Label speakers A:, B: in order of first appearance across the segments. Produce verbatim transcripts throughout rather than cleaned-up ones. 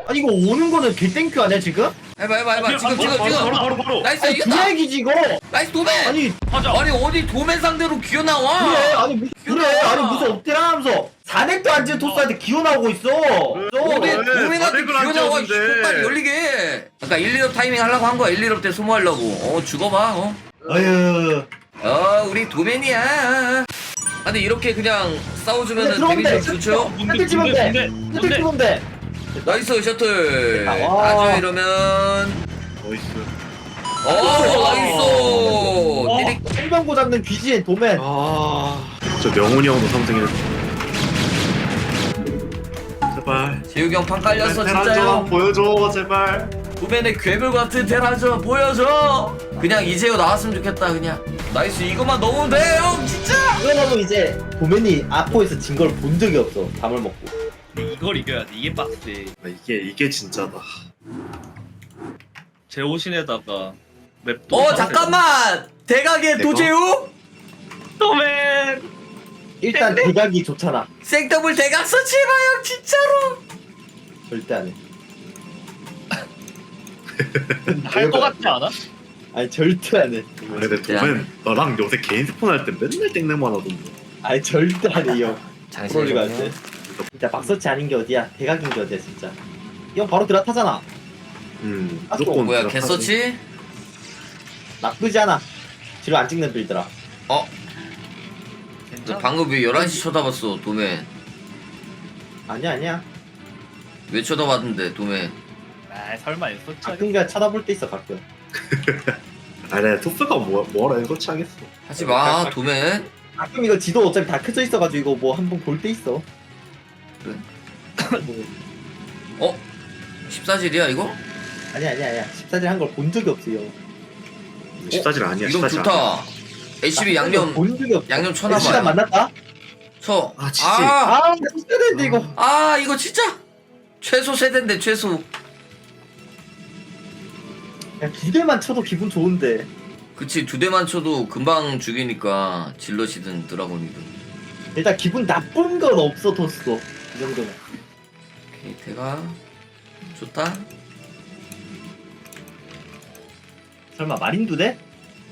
A: 아니 이거 오는 거는 개땡큐 아니야 지금?
B: 해봐 해봐 해봐 지금 지금
C: 바로,
B: 지금
C: 바로 바로 바로.
B: 나이스
A: 아니
B: 이겼다
A: 구약이지 이거.
B: 나이스 도맨
A: 아니
C: 하자.
B: 아니 어디 도맨 상대로 기어 나와
A: 그래 아니 무슨 그래 아니 무슨 업데라 하면서 사넥도 안 지은 토스한테 기어 나오고 있어.
B: 어디
C: 그래,
B: 도맨한테
C: 사넥을 안
B: 기어 나와 이
C: 지었는데.
B: 빨리 열리게 아까 일, 이업 타이밍 하려고 한 거야 일, 이업 때 소모하려고 어 죽어봐 어
A: 어휴.
B: 어 우리 도맨이야 아, 근데 이렇게 그냥 싸워주면은
A: 들어오면 돼.
B: 데미지 좋죠?
A: 셔틀 치면 돼.
C: 뭔데?
A: 셔틀
C: 뭔데?
A: 치면 돼.
B: 나이스 셔틀
A: 와.
B: 아주 이러면
C: 나이스.
B: 어 나이스 띠릭
A: 홍병고 잡는 귀신 도맨.
C: 아, 저 명훈이 형도 삼 등이네. 제발.
B: 재욱이 형 판 깔렸어
C: 테란
B: 진짜요
C: 좀 보여줘 제발.
B: 도맨의 괴물 같은 테라저 보여줘 그냥 이제요 나왔으면 좋겠다 그냥 나이스 이거만 넣으면 돼형 진짜
A: 이거는 이제 도맨이 아포에서 진 걸 본 적이 없어. 밥을 먹고.
D: 이걸 이겨야 돼. 이게 빡세.
C: 아, 이게 이게 진짜다.
D: 제오신에다가 맵도.
B: 어 잠깐만 대각의
C: 내가?
B: 도재욱
D: 도맨.
A: 일단 대각이 좋잖아.
B: 생더블 대각 서치 해봐 형 진짜로
A: 절대 안 해.
D: 할거 같지 않아?
A: 아니 절대 안 해.
C: 아, 근데 도맨 너랑 요새 개인 스폰 할 때 맨날 땡땡만 하던데.
A: 아니 절대 안 해 이 형. 프롤리가 할 때.
B: 장신이
A: 진짜 막서치 아닌 게 어디야. 대각인 게 어디야 진짜. 이 형 바로 드라타잖아.
C: 음
A: 아,
C: 무조건.
B: 뭐야
C: 드랍하지.
B: 개서치
A: 나쁘지 않아. 뒤로 안 찍는 빌드라.
B: 어 너 방금 왜 열한 시 쳐다봤어 도맨
A: 아니야 아니야.
B: 왜 쳐다봤는데 도맨
D: 아 설마 있었지.
A: 가끔 그냥 쳐다볼 때 있어 가끔.
C: 아, 내가 토스가 뭐 뭐라 해서 취하겠어.
B: 하지마 도맨
A: 가끔 이거 지도 어차피 다 켜져 있어가지고 이거 뭐 한 번 볼 때 있어.
B: 그래.
A: 뭐,
B: 어? 십사질이야 이거?
A: 아니야 아니야 아니야. 십사질 한 걸 본 적이 없어요.
C: 십사질 아니야.
B: 이건
C: 십사질 아니야.
B: 좋다 에이치비 양념
A: 본 적이 없어.
B: 양념
A: 시간
B: 쳐놔봐
A: 만났다?
B: 쳐
C: 아, 치지.
B: 아,
A: 아 진짜 되는데 이거.
B: 아 이거 진짜 최소 세대인데 최소
A: 야, 두 개만 쳐도 기분 좋은데.
B: 그치 두 대만 쳐도 금방 죽이니까 질럿이든 드라곤이든
A: 일단 기분 나쁜 건 없어 토스. 이 정도면.
B: 오케이 대가 좋다
A: 설마 마린 두 대?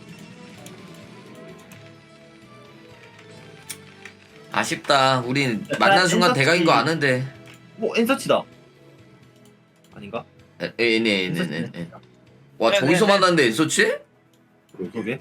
B: 아쉽다 우린
A: 야,
B: 만난 순간
A: 엔서치.
B: 대각인 거 아는데
A: 뭐 엔서치다. 아닌가?
B: 에에에에에 와
D: 네,
B: 저기서
D: 네, 네.
B: 만났는데 엔서치?
A: 그러게.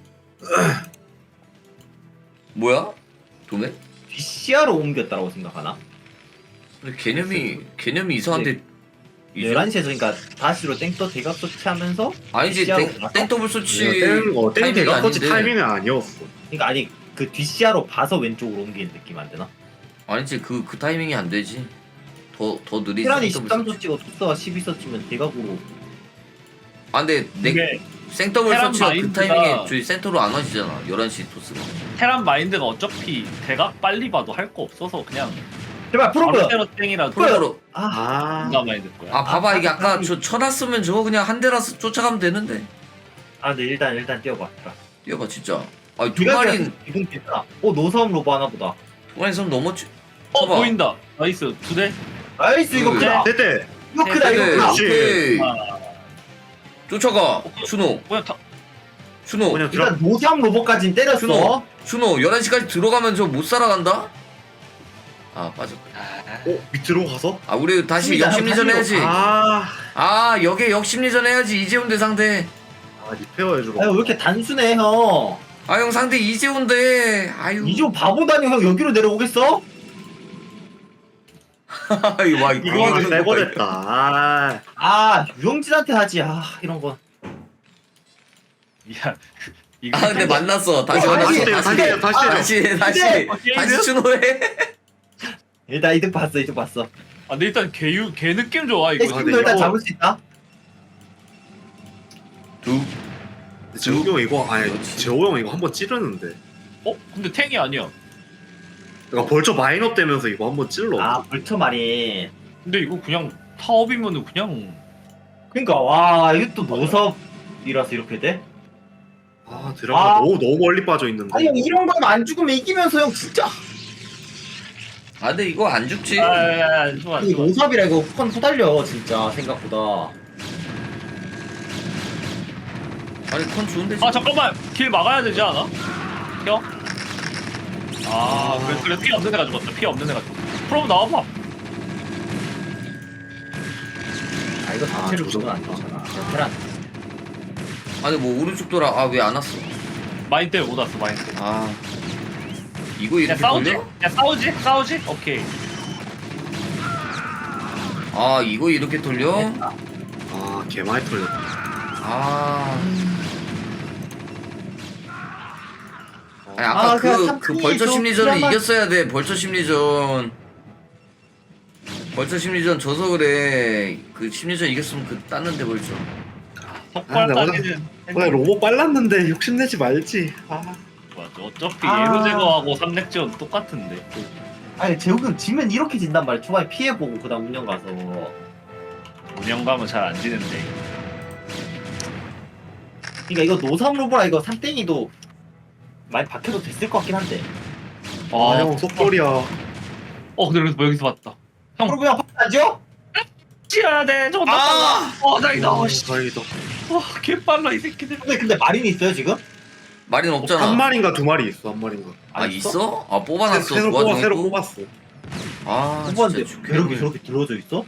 B: 뭐야? 도매?
A: 비씨아로 옮겼다라고 생각하나?
B: 근데 개념이 개념이 이상한데 이제-
A: 열한 시에서 그러니까 다시로 땡떠 대각 서치하면서
B: 아니지
A: 비씨아로
B: 땡,
A: 가서?
B: 땡더블 소치
C: 땡, 어, 땡
B: 타이밍이
C: 대각 터치
B: 아닌데.
C: 타이밍은 아니었어.
A: 그러니까 아니 그 뒷시야로 봐서 왼쪽으로 옮기는 느낌 안 되나?
B: 아니지 그 그 타이밍이 안 되지 더 더 느리지
A: 테란이
B: 생더블
A: 십삼
B: 소치.
A: 서치고 토스가 십이 서치면 대각으로.
B: 아 근데 내
D: 이게
B: 생더블
D: 테란
B: 소치가 그
D: 마인드가-
B: 타이밍에 저희 센터로 안 와지잖아 열한 시 토스가
D: 테란 마인드가 어차피 대각 빨리 봐도 할 거 없어서 그냥
A: 제발 프로브.
D: 바로 때로 땡이라도
B: 프로로
A: 아,
C: 아,
D: 누가 마인드 거야.
B: 아 봐봐 이게
A: 아,
B: 아까
A: 아,
B: 저 쳐놨으면 저거 그냥 한 대라서 쫓아가면 되는데
A: 아, 근데 일단 일단 뛰어봐.
B: 뛰어봐 진짜 아니 두
A: 네가
B: 마리
A: 기분 괜찮아. 어 노사움 로브 하나 보다.
B: 두 마리 선 넘었지
D: 어
B: 봐봐.
D: 보인다. 나이스 두 대.
A: 나이스 이거
B: 그-
A: 크다.
C: 대대.
A: 이거 크다 이거
B: 네,
A: 크다.
C: 그렇지.
B: 오케이
D: 아,
B: 쫓아가 준호
D: 뭐야 다.
B: 준호
C: 그냥 들어.
A: 일단 노사움 로브까지는 때렸어.
B: 준호 준호 열한 시까지 들어가면 저 못 살아간다? 아 빠졌다
C: 어 밑으로 가서?
B: 아 우리 다시
A: 맞습니다.
B: 역심리전 해야지
C: 아,
B: 아 여기에 역심리전 해야지 이재훈 대 상대
C: 아 리페어 해주러.
A: 아유 왜 이렇게 단순해 형.
B: 아 형 상대 이재훈 대 아유
A: 이조 바보다니 형 여기로 내려오겠어?
B: 아이, 와 이거
C: 이거는
B: 이거
C: 내버렸다. 아,
A: 아 유영진한테 하지. 아 이런 거.
D: 야 이거.
B: 아 근데 만났어 다시
A: 어,
B: 만났어
C: 다시 때려, 다시 때려, 다시 때려.
B: 다시 다시
A: 근데-
B: 다시 준호해
A: 일단 이득 봤어 이득 봤어.
D: 아 근데 일단 개유 개 느낌 좋아 이거.
A: 에스도
C: 근데
A: 일단
C: 이거-
A: 잡을 수 있다.
B: 두
C: 재욱이 형 이거 아니
B: 그렇지.
C: 재호 형 이거 한번 찌르는데.
D: 어 근데 탱이 아니야.
C: 그러니까 벌써 마인업 되면서 이거 한번 찔러.
A: 아 벌처 말이.
D: 근데 이거 그냥 타업이면은 그냥.
A: 그러니까 와 이게 또 노섭이라서 이렇게 돼?
C: 아 드라마
A: 아.
C: 너무 너무 멀리 빠져 있는데.
A: 아니 형 이런 거면 안 죽으면 이기면서 형 진짜.
B: 아 근데 이거 안 죽지.
D: 아, 좋아,
A: 이거
D: 좋아.
A: 노삽이라 이거 펀 후달려 진짜 생각보다.
B: 아니 컨 좋은데.
D: 아, 잠깐만. 길 막아야 되지 않아? 형? 아, 그래, 그래. 피 없는 애가 죽었다. 피 없는 애가 죽었다. 프로 나와봐.
A: 아 이거 자체를
C: 아,
A: 주면 안 되잖아. 그냥 테란.
B: 아니 뭐 오른쪽 돌아. 아 왜 안 왔어?
D: 마인 때문에 못 왔어, 마인 때문에.
B: 아 이거
D: 야,
B: 이렇게
D: 싸우지?
B: 돌려?
D: 야, 싸우지? 싸우지? 오케이.
B: 아 이거 이렇게 돌려?
C: 아 개많이 털렸다.
B: 아. 아니 아까
A: 아,
B: 그,
A: 그냥
B: 그
A: 삼
B: 벌처
A: 좀
B: 심리전을
A: 그나마-
B: 이겼어야 돼. 벌처 심리전. 벌처 심리전 져서 그래. 그 심리전 이겼으면 그 땄는데 벌써.
C: 아, 나
D: 석발까지는
C: 오늘 로봇 빨랐는데 욕심내지 말지. 아
D: 맞아. 어차피
A: 아.
D: 예로 제거하고 삼렉 지원 똑같은데.
A: 아니 재욱은 지면 이렇게 진단 말이야. 초반에 피해보고 그다음 운영 가서.
D: 운영감은 잘 안 지는데.
A: 그러니까 이거 노삼 로보라 이거 삼땡이도 많이 박혀도 됐을 것 같긴 한데.
C: 아,
D: 아,
C: 형 속돌이야.
D: 어, 근데 뭐 여기서 봤다. 형,
A: 프로 그냥 확하죠?
D: 찌어야 돼. 저거 나
B: 아!
D: 빨라. 어, 다행이다. 어, 씨.
C: 다행이다.
D: 와, 개 빨라 이 새끼들.
A: 근데 근데 마린이 있어요 지금?
B: 마린 없잖아.
C: 한 마리인가 두 마리 있어. 한 마리인가.
B: 아
A: 안
B: 있어? 아 뽑아놨어.
C: 새로 뽑아
B: 도와주고
C: 새로
B: 있고.
C: 뽑았어.
B: 아
A: 후보한테
B: 진짜
A: 괴롭게
B: 죽겠네.
A: 저렇게 들어져 있어?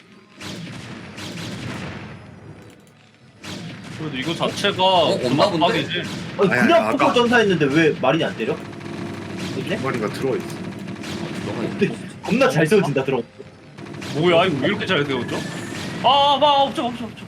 D: 그래도 이거 자체가
B: 어, 없나 본데?
D: 막박이지.
A: 아니
C: 아니,
A: 그냥
C: 아까-
A: 포커 전사했는데 왜 마린이 안 때려? 그래?
C: 한 마리가 들어 있어.
B: 들어가 있네.
A: 근데 겁나 잘 세워진다 들어.
D: 뭐야 이거 왜 이렇게 잘 세웠죠? 아, 봐, 없죠, 없죠, 없죠.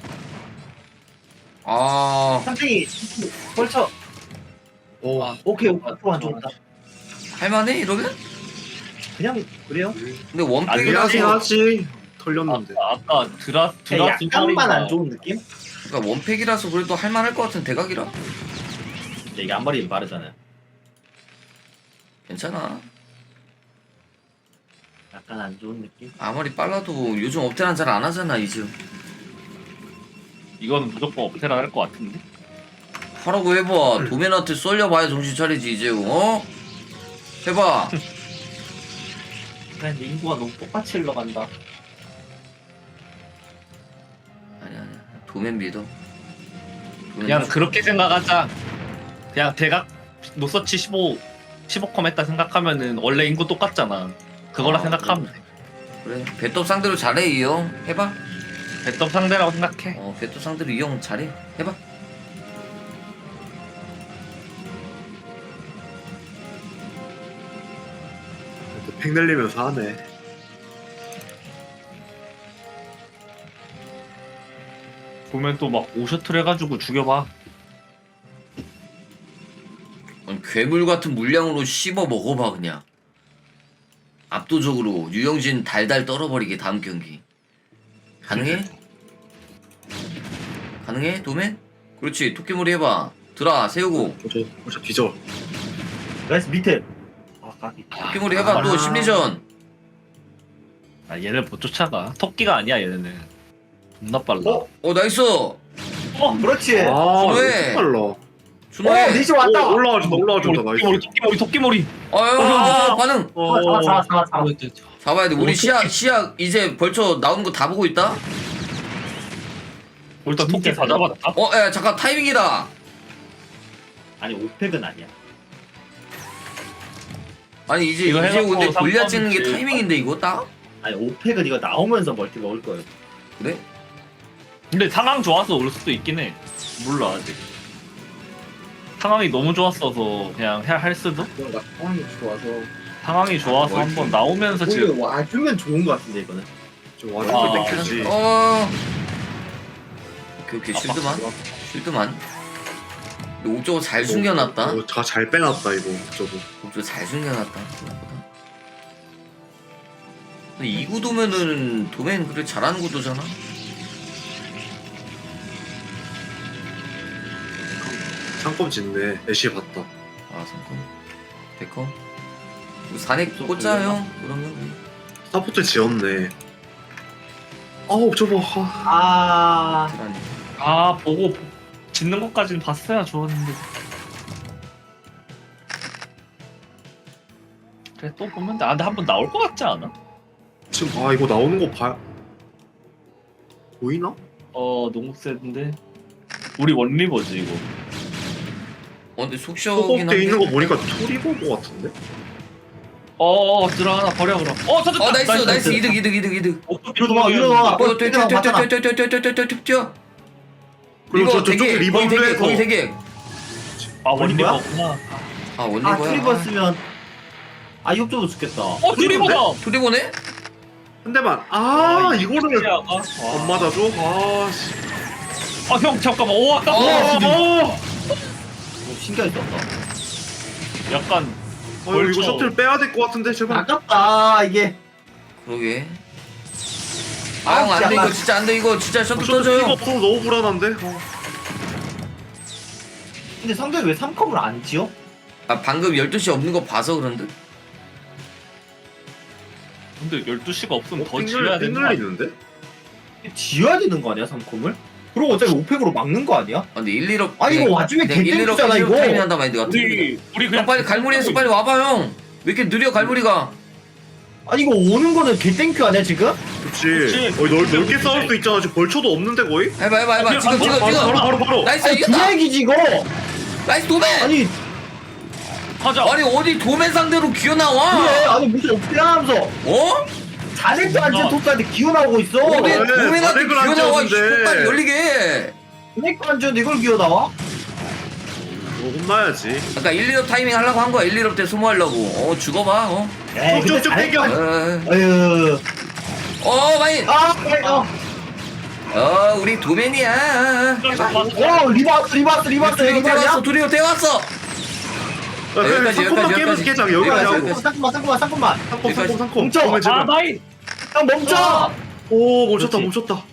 B: 아
A: 삼땡이 벌쳐.
C: 어.
D: 아,
A: 오케이 오케이 프로 안 좋다.
B: 할만해 이러면?
A: 그냥 그래요?
B: 근데
D: 아니,
B: 원팩이라서
C: 하긴 하지. 털렸는데.
D: 아까, 아까 드라
A: 그냥
D: 드라 두
A: 약간만
D: 마리가
A: 안 좋은 느낌?
B: 그러니까 원팩이라서 그래도 할만할 것 같은 대각이라
A: 근데 이게 앞머리 빠르잖아요.
B: 괜찮아.
A: 약간 안 좋은 느낌?
B: 아무리 빨라도 요즘 업테란 잘 안 하잖아 이즈.
D: 이건 무조건 업테라 할 것 같은데.
B: 하라고 해봐. 도면한테 쏠려봐야 정신 차리지 이제. 어? 해봐.
A: 근데 인구가 너무 똑같이 흘러간다.
B: 아니 아니. 도면 믿어. 도면
D: 그냥
B: 믿어.
D: 그렇게 생각하자. 그냥 대각 노서치 십오 십오 컴 했다 생각하면은 원래 인구 똑같잖아. 그거라
B: 아,
D: 생각하면 돼.
B: 그래. 배톱 상대로 잘해 이 형. 해봐.
D: 배떡 상대라고 생각해.
B: 어 배톱 상대로 이 형 잘해. 해봐.
C: 팩 날리면서 하네.
D: 보면 또 막 오셔틀 해가지고 죽여봐.
B: 아니, 괴물 같은 물량으로 씹어 먹어봐 그냥. 압도적으로 유영진 달달 떨어버리게 다음 경기. 가능해? 가능해 도맨? 그렇지 토끼머리 해봐. 들어 세우고
C: 어저 어저 뒤져.
A: 나이스 밑에. 아 까비.
B: 토끼머리 해봐 또
A: 아.
B: 심리전.
D: 아 얘네 못 쫓아가. 토끼가 아니야 얘네는. 존나 빨라.
A: 어?
B: 어 나이스.
A: 어 그렇지.
C: 아
B: 그래.
C: 이거 빨라.
A: 어
B: 준호해.
A: 니시 왔다.
C: 오, 올라와준다 올라와준다 나이스.
D: 토끼머리 토끼머리 토끼머리.
B: 아유 아, 반응.
A: 잡아 잡아 잡아 잡아.
B: 잡아야 돼. 우리
A: 어떻게-
B: 시야 시야 이제 벌써 나오는 거 다 보고 있다.
D: 일단 토끼
A: 진짜
D: 다 잡았다.
B: 어, 야 잠깐 타이밍이다.
A: 아니 오팩은 아니야.
B: 아니 이제
D: 이거
B: 이제
D: 해놓고
B: 근데 골리앗 찍는 게
D: 삼점이지.
B: 타이밍인데 이거 딱?
A: 아니 오팩은 이거 나오면서 멀티 먹을 거예요.
B: 그래?
D: 근데 상황 좋아서 올 수도 있긴 해. 몰라 아직. 상황이 너무 좋았어서 그냥 해- 할 수도.
A: 뭔가 상황이 좋아서.
D: 상황이 좋아서
B: 아,
D: 한번 나오면서 지금
A: 오히려 와주면 좋은 거 같은데 이거는.
C: 좀
D: 아,
C: 와주면 땡큐지.
B: 어. 오케이 오케이
D: 아,
B: 쉴드만 쉴드만. 근데 옥저거 잘 숨겨놨다.
C: 어, 다잘 빼놨다 이거 저거.
B: 옥저거 잘 숨겨놨다. 생각보다. 근데 이 구도면은 도맨 그래 잘하는 구도잖아.
C: 상검 짓네. 애쉬 봤다.
B: 아 삼컴 백컴. 우리 산액 꽂자 형. 그러면 우리.
C: 스타포트 지었네. 아우 저거. 아.
A: 아
B: 테란이.
D: 아 보고 짓는 것까지는 봤어야 좋았는데 그래 또 보면 돼. 아 근데 한 번 나올 것 같지 않아?
C: 지금 아 이거 나오는 거 봐. 보이나?
D: 어 너무 세던데. 우리 원리버지 이거.
B: 어 근데 속 시원하긴
C: 소급돼
B: 한데.
C: 있는 거 보니까 토리버거 같은데?
D: 어 들어가나 버려 그럼. 어 터졌다.
B: 어 나이스 나이스 이득 이득 이득 이득.
A: 이리로 와, 이리로 와.
B: 어 뛰어 뛰어 뛰어 뛰어 뛰어 뛰어 뛰어 뛰어 뛰어 뛰어.
C: 그리고
B: 이거
C: 저- 저쪽에
B: 되게 거기
C: 리바운드
B: 되게
C: 해서.
B: 거기 되게.
D: 아
A: 원리버야?
D: 원리버구나.
B: 아
A: 아
B: 원리버야.
A: 트리버 쓰면 아 이것도 죽겠다.
D: 어 트리버다.
B: 투리보네?
C: 한 대만. 아 이거를
D: 안
C: 안 맞아줘? 아 씨.
D: 아형 잠깐만. 오 아까.
A: 어, 근데-
D: 어,
A: 오, 신기하게 썼다.
D: 약간
C: 아 이거
D: 벌써-
C: 셔틀 빼야 될 것 같은데 제발.
A: 아깝다 이게.
B: 그러게.
A: 아,
B: 아형 안돼
A: 진짜.
B: 이거 진짜 안돼 이거 진짜 셔틀
C: 셔틀
B: 떠줘요.
C: 피가 없어서 너무 불안한데. 어.
A: 근데 상대가 왜 삼 컵을 안 지어?
B: 아 방금 열두 시 없는 거 봐서 그런데?
D: 근데 열두 시가 없으면 더
C: 어,
D: 지어야 되는 거 아니야?
C: 빙글리는데?
A: 지어야 되는 거 아니야 삼 컵을? 그리고 어차피 오펙으로 막는 거 아니야?
B: 아 근데 일, 일업
A: 아니, 이거 와중에 개땡큐잖아, 이거.
B: 타이밍 한다 마인드 같은
D: 우리 우리
B: 형
D: 그냥
B: 빨리 갈무리에서 빨리 와봐 형. 왜 이렇게 느려 갈무리가?
A: 아니 이거 오는 거는 개땡큐 아니야 지금?
C: 그치.
D: 그치.
C: 어, 넓, 넓게
D: 그치.
C: 싸울 수 있잖아. 지금 벌초도 없는데 거의?
B: 해봐 해봐 해봐. 지금 지금
C: 바로
B: 지금.
C: 바로 바로 바로.
B: 나이스
A: 아니
B: 이겼다.
A: 드랙이지 이거.
B: 나이스 도맨.
A: 아니
D: 하자.
B: 아니 어디 도맨 상대로 기어 나와?
A: 그래 아니 무슨 어떻게 하면서
B: 어?
A: 자네도 안 지은 토스한테 기어 나오고 있어.
B: 어디
C: 네,
B: 도맨한테
C: 다들
B: 기어 나와? 이
C: 그런지
B: 씨발 열리게.
A: 자네도 안 지은데 이걸 기어 나와?
C: 어, 혼나야지.
B: 아까 일, 일업 타이밍 하려고 한 거야. 일, 일업 때 소모하려고. 어 죽어봐. 어.
A: 에이 근데
C: 쭉쭉
A: 자네도
C: 땡겨.
A: 안-
B: 어,
A: 아유
B: 어 마인.
A: 아 어.
B: 어 우리 도맨이야. 해봐.
A: 오 리바스 리바스 리바스
B: 둘이
A: 리바스야?
B: 대왔어. 둘이 대왔어.
C: 야, 그래,
B: 여기까지,
C: 상품만
B: 여기까지,
C: 깨면서
B: 여기까지.
C: 깨자. 여기까지
B: 여기까지,
C: 하고.
B: 여기까지.
A: 잠깐만 잠깐만 잠깐만
C: 상품 상품 상품.
A: 멈춰.
C: 그러면
D: 아
C: 제발.
D: 나이.
A: 형 멈춰.
C: 오 멈췄다
A: 그렇지.
C: 멈췄다.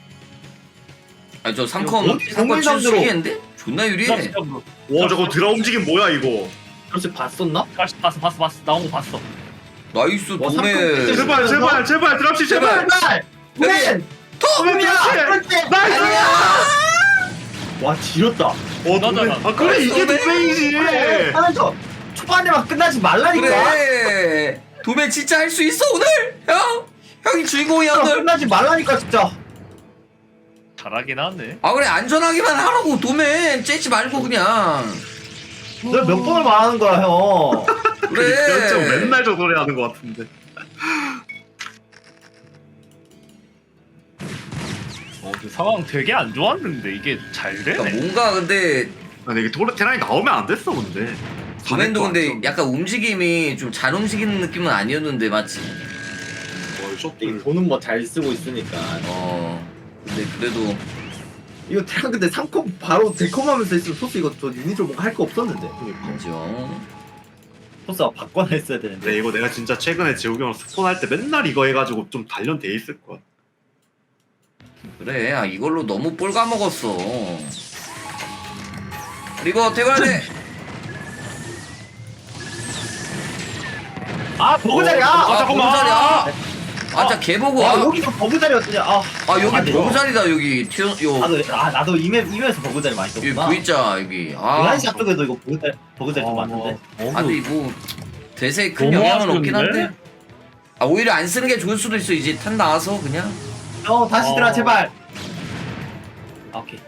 B: 아저 삼컴
A: 어디
B: 삼컴
A: 동물상대로.
B: 칠수기인데 존나 유리해.
C: 와 저거 드라 움직임 뭐야 이거.
A: 그렇지 봤었나?
D: 봤어 봤어 봤어 봤어 나온 거 봤어.
B: 나이스
A: 뭐,
B: 도맨.
A: 삼컴
C: 제발 제발 제발 드랍시 제발.
A: 제발 맨
C: 도맨이야.
A: 그렇지
C: 나이스.
A: 와 지렸다
C: 어
D: 나잖아.
C: 도맨. 아 그래 이게
B: 도맨.
C: 도맨이지.
A: 그래 하면서 초반에만 끝나지 말라니까
B: 그래. 도맨 진짜 할 수 있어 오늘. 형 형이 주인공이야
A: 형,
B: 오늘.
A: 끝나지 말라니까 진짜
D: 잘하긴 하네.
B: 아 그래 안전하게만 하라고 도맨 째지 말고 그냥.
A: 내가 몇 번을 말하는 거야 형
B: 그래.
C: 연정 맨날 저 소리 하는 것 같은데.
D: 어, 그 상황 되게 안 좋았는데 이게 잘
B: 그러니까
D: 되네.
B: 뭔가 근데
C: 아니 이게 토르 테란이 나오면 안 됐어 근데.
B: 도맨도 근데
C: 야
B: 약간 움직임이 좀 잘 움직이는 느낌은 아니었는데 맞지?
C: 셔틀.
A: 돈은 뭐 잘 쓰고 있으니까
B: 어. 근데 그래도
A: 이거 테란 근데 삼 컵 바로 데컴하면서 했으면 토스 이거 저 유니를 뭔가 할 거 없었는데
B: 인정.
A: 토스가 바꿔나 했어야 되는데
C: 근데 이거 내가 진짜 최근에 재욱이 형 스폰 할 때 맨날 이거 해가지고 좀 단련돼 있을 거야.
B: 그래 아 이걸로 너무 볼 까먹었어. 그리고 퇴근하네.
A: 아 버그자리야
B: 아,
A: 아,
B: 버그 자리야. 아, 진짜 개보고.
A: 와
B: 아,
A: 여기서 버그자리였더니 아
B: 아 여기
A: 아,
B: 버그 자리다 여기. 튀어 요
A: 나도 아 나도 이맵 이맵에서 버그자리 많이
B: 여기
A: 썼구나
B: V자 여기. 아.
A: 열한 시 앞쪽에도 이거 버그자리 버그자리 좀 많은데
B: 아 근데 뭐 대세에 큰
D: 너무
B: 영향은 없긴
D: 아쉬운데?
B: 한데. 아 오히려 안 쓰는 게 좋을 수도 있어 이제 탄 나와서 그냥.
A: 어 다시 들어
D: 어.
A: 제발 아, 오케이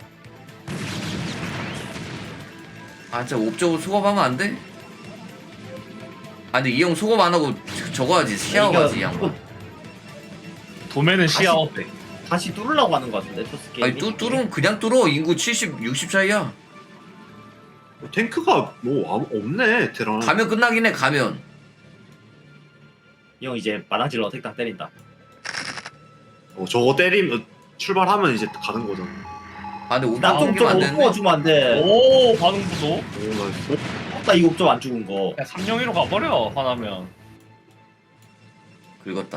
B: 아 진짜 옵저버 수급하면 안 돼? 아 근데 이 형 수급 안 하고 저- 저거 하지 시야하지 이 양반.
D: 도매는 시야업.
A: 다시 뚫으려고 하는 거 같은데 토스 게임이
B: 아니 뚜 뚫으면 그냥 뚫어. 인구 칠십 육십 차이야.
C: 탱크가 뭐 아무- 없네 테란.
B: 가면 끝나긴 해 가면.
A: 이 형 이제 마당질러 택당 때린다
C: 어, 저거 때리면 출발하면 이제 가는 거잖아.
B: 아 근데 옵저버
A: 나좀
B: 옮기면 안
A: 좀
B: 되는데.
A: 엎어주면 안돼
D: 오 반응 구도.
C: 오 나이스.
A: 나 이거 옵점 안 죽은 거
D: 야 삼영이로 가버려 화나면.
B: 긁었다.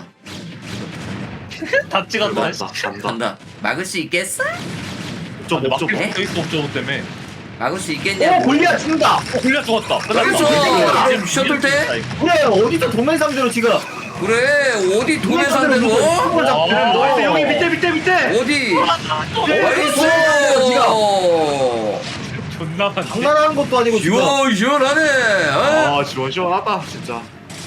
D: 다 찍었다.
C: 간다 간다.
B: 간다. 막을 수 있겠어?
C: 좀
D: 근데
C: 좀.
D: 막힐 수도 있어 옵저버 때문에.
B: 막을 수
A: 오
B: 있겠냐?
A: 골리앗 죽는다
D: 어 골리앗 죽었다.
B: 그렇죠. 셔틀 때?
A: 그래 어디서 도맨 상대로 지금
B: 그래 어디 도매 상대로?
A: 어?
C: 나이스 여기 밑에 밑에 밑에.
B: 어디? 나이스!
D: 존나 많네.
A: 장난하는 것도 아니고 지금
B: 시원시원하네. 어?
C: 아 시원시원하다 진짜.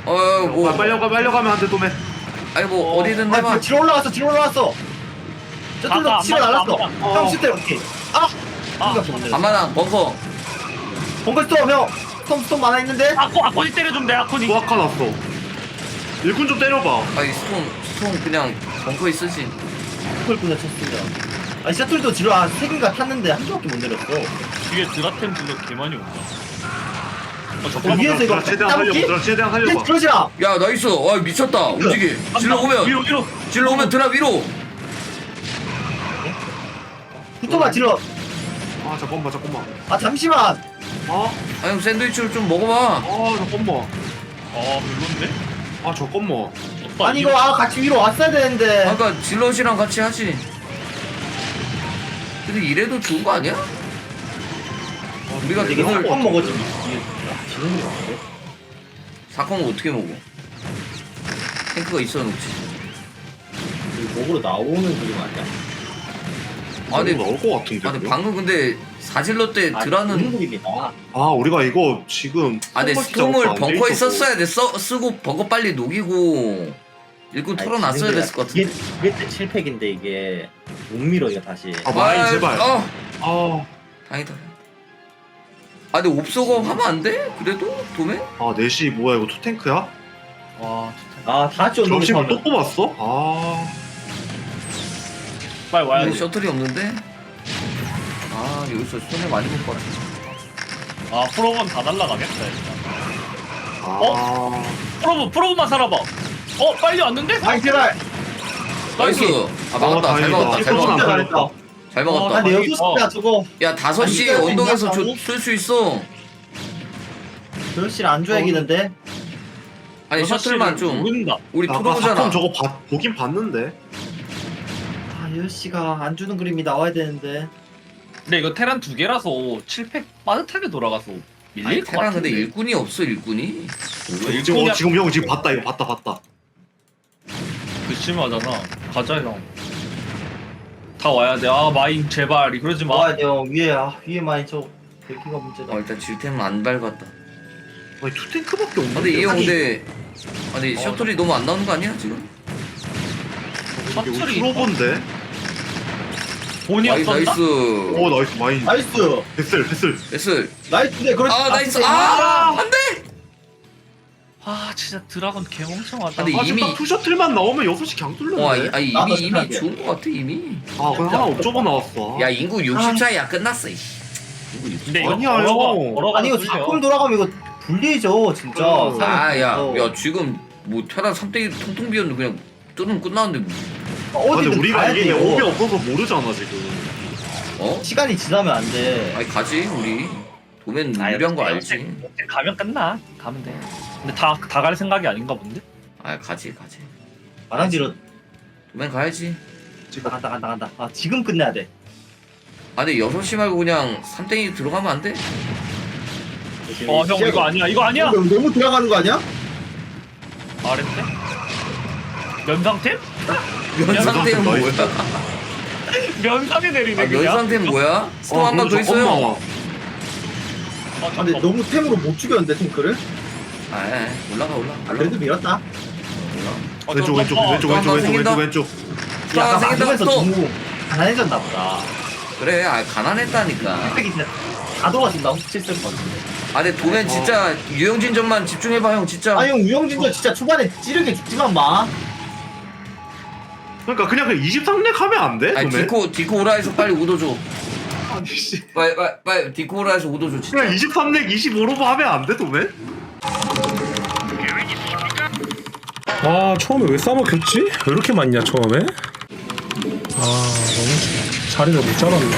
B: 어뭐
C: 아, 빨려 가 빨려 가면 안 돼 도매.
B: 아니 뭐 어디든
A: 아,
B: 해봐.
A: 뒤로 올라왔어 뒤로 올라왔어. 저쪽으로
D: 안
A: 치러
D: 맞아,
A: 날랐어.
D: 안
C: 맞아.
A: 형 슈트 오케이. 아!
D: 아,
B: 안마나 벙커.
A: 번글 스톰 형. 스톰 스톰 많아 있는데.
D: 아코 아코니 때려주면 돼 아코니.
C: 부학화 났어. 일꾼 좀 때려봐.
B: 아니 스톤 스톤 그냥 벙커에 쓰지.
A: 번글 그냥 쳤습니다. 아니 셔틀도 뒤로 한세 개가 탔는데 한 개밖에 못 내렸어.
D: 뒤에 드라템 딜러 개 많이 온다. 어, 저
A: 어, 위에서 이거
C: 최대한
A: 따먹기?
C: 살려봐. 드라 최대한 살려봐.
A: 그러지라.
B: 야 나이스. 와 미쳤다. 움직이. 질러 오면
D: 위로 위로.
B: 질러 오면 드랍 위로.
A: 붙어봐 질러.
C: 아 잠깐만 잠깐만.
A: 아 잠시만.
C: 아,
B: 아 형 샌드위치를 좀 먹어봐.
C: 아 잠깐만.
D: 아 별론데?
C: 아 잠깐만.
D: 오빠
A: 아니 이거 아 같이 위로 왔어야 되는데.
B: 아까 질럿이랑 같이 하지. 근데 이래도 좋은 거 아니야? 우리가
A: 되게
B: 오늘
A: 한 먹었지. 이게 지는 거 같아.
B: 사건을 어떻게 먹어? 탱크가 있어 놓지.
A: 이거 목으로 나오는 그림 아니야?
B: 아 근데
C: 나올 것 같은데.
B: 아 근데
C: 그거?
B: 방금 근데 사질러 때
A: 아,
B: 드라는
A: 그런 그림이다.
C: 아 우리가 이거 지금
B: 아 근데
C: 스톰
B: 스톰을
C: 안
B: 벙커에
C: 돼 있어서.
B: 썼어야 돼. 써, 쓰고 벙커 빨리 녹이고 일꾼 털어놨어야 됐을 것 같은데.
A: 이게 이게 때 칠 팩인데 이게 못 밀어 이거 다시.
C: 아 마인
B: 아,
C: 제발.
B: 어
C: 아,
B: 다행이다. 아 근데 옵소거 하면 안 돼? 그래도 도매?
C: 아 넷이 뭐야 이거 투탱크야?
D: 와 진짜.
A: 아 다시 온도
C: 점심을 또 뽑았어? 아,
D: 빨리 와야
B: 근데
D: 돼.
B: 셔틀이 없는데? 아 여기서 손해 많이 볼 것 같아.
D: 아 프로본 다 날라가겠다 일단.
C: 아,
D: 프로본 프로본만 살아봐. 어 빨리 왔는데?
A: 아이 제발.
B: 나이스. 아 막았다.
C: 어,
B: 잘
C: 다행이다.
B: 막았다. 잘
C: 이거
B: 막았다.
C: 진짜
A: 잘했다.
B: 잘
A: 아
B: 막았다.
A: 근데
D: 어,
A: 여섯 시야 저거.
B: 야 다섯 시
A: 아니, 이거
B: 언덕에서
A: 있냐,
B: 쓸 수 있어.
A: 별실 안 줘야겠는데.
B: 아니 셔틀만 좀
D: 모른다.
B: 우리
C: 아까
B: 프로잖아.
C: 사건 저거 봐, 보긴 봤는데.
A: 아 여섯 시가 안 주는 그림이 나와야 되는데.
D: 근데 이거 테란 두 개라서 칠 팩 빠듯하게 돌아가서
B: 아니
D: 밀릴 것
B: 테란
D: 같은데.
B: 근데 일꾼이 없어 일꾼이.
C: 지금 어, 지금 형 지금 봤다 이거 봤다 봤다.
D: 그 심하잖아. 가자 형. 다 와야 돼. 아 마인 제발 그러지 마.
A: 나와야 돼요 위에 아 위에 많이 저 대기가 문제다.
B: 어 일단 질템은 안 밟았다.
C: 아니 투탱크밖에 없는데.
B: 근데 이 형
A: 아니.
B: 근데 아니
D: 어.
B: 셔틀이 너무 안 나오는 거 아니야 지금?
C: 이게 우리
D: 셔틀이
C: 프로본데.
D: 본이
B: 나이스
D: 없었나?
B: 나이스.
C: 오 나이스 마인.
A: 나이스.
C: 패슬 패슬.
B: 베슬.
A: 나이스인데 그렇지.
B: 아 나이스.
A: 진짜.
B: 아 안돼.
D: 아 진짜 드라곤 개멍청하다.
B: 근데
C: 아
B: 이미-
C: 지금 딱 투셔틀만 나오면 여섯 시 그냥 뚫렸네.
B: 와 아, 아니
A: 나도
B: 이미 이미
A: 생각해.
B: 좋은 거 같아 이미.
C: 아 그냥 하나 옵저버 나왔어.
B: 야 인구 육십사야 끝났어. 이. 인구 육십사.
D: 근데 이거
C: 아니야,
D: 걸어가,
C: 형.
D: 걸어가
A: 아니 이거 사건 돌아가면 이거 불리해져 진짜.
C: 어.
B: 아야
A: 어.
B: 야 지금 뭐 테란 삼 대 일 통통 비었는데 그냥 뚫으면 끝나는데 뭐.
C: 아, 근데
A: 어디든
C: 우리가
A: 가야
C: 이게
A: 돼요.
C: 옵이 없어서 모르잖아 지금.
B: 어?
A: 시간이 지나면 안 돼.
B: 아니 가지 우리. 도면
D: 아,
B: 유리한 거
D: 역시-
B: 알지.
D: 역시 가면 끝나. 가면 돼. 근데 다 다 갈 생각이 아닌가 본데?
B: 아 가지 가지.
A: 마랑지로
B: 도면 가야지.
A: 간다 간다 간다. 아 지금 끝내야 돼.
B: 아 근데 여섯 시 말고 그냥 삼 대 일 들어가면 안 돼?
D: 어 형 이거 아니야. 이거 아니야.
A: 너무, 너무 들어가는 거 아니야?
D: 아랬대? 면상템?
B: 면상태는 뭐야?
C: 나이스.
D: 면상에 내리네
B: 아,
D: 그냥.
B: 면상태는 뭐야? 스톱
C: 아,
B: 한 번 더
C: 그럼
B: 있어요.
C: 잠깐만.
D: 아,
A: 아 근데
D: 잠깐만.
A: 너무 템으로 못 죽였는데 탱크를?
B: 아 에, 올라가 올라.
A: 아 그래도 밀었다.
D: 어,
C: 왼쪽
D: 저-
C: 왼쪽
D: 어,
C: 왼쪽
B: 또
C: 왼쪽
B: 한번
C: 왼쪽
B: 생긴다.
C: 왼쪽 왼쪽.
B: 아,
A: 약간
B: 생긴다,
A: 막으면서
B: 또.
A: 너무 가난해졌나 보다.
B: 그래 아 가난했다니까.
A: 팩이 진짜 다 돌아준다. 칠쓸 것 같은데.
B: 아 근데 도면 진짜 유영진전만 집중해봐 형 진짜.
A: 아형 우영진도 진짜 초반에 찌르게 죽지만 마.
C: 그러니까 그냥 그냥 이십삼 렉 하면 안 돼?
B: 아니
C: 도매?
B: 디코 디코 오라에서 빨리 오도줘.
C: 아니 씨.
B: 빨리 빨리 빨리 디코 오라에서 오도줘 진짜.
C: 그냥 이십삼 렉 이십오로 하면 안 돼, 도매?
E: 아 처음에 왜 싸먹혔지? 왜 이렇게 많냐 처음에? 아 너무 자리를 못 잡았네.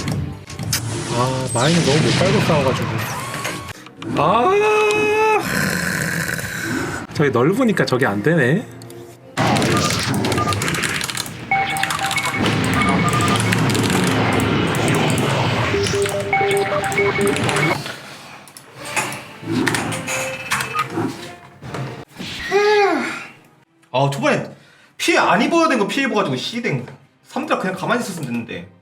E: 아 마인을 너무 못 깔고 싸워가지고. 아 저기 넓으니까 저게 안 되네.
F: 아 초반에 피해 안 입어야 된 거 피해 입어가지고 씨댕 삼드라 그냥 가만히 있었으면 됐는데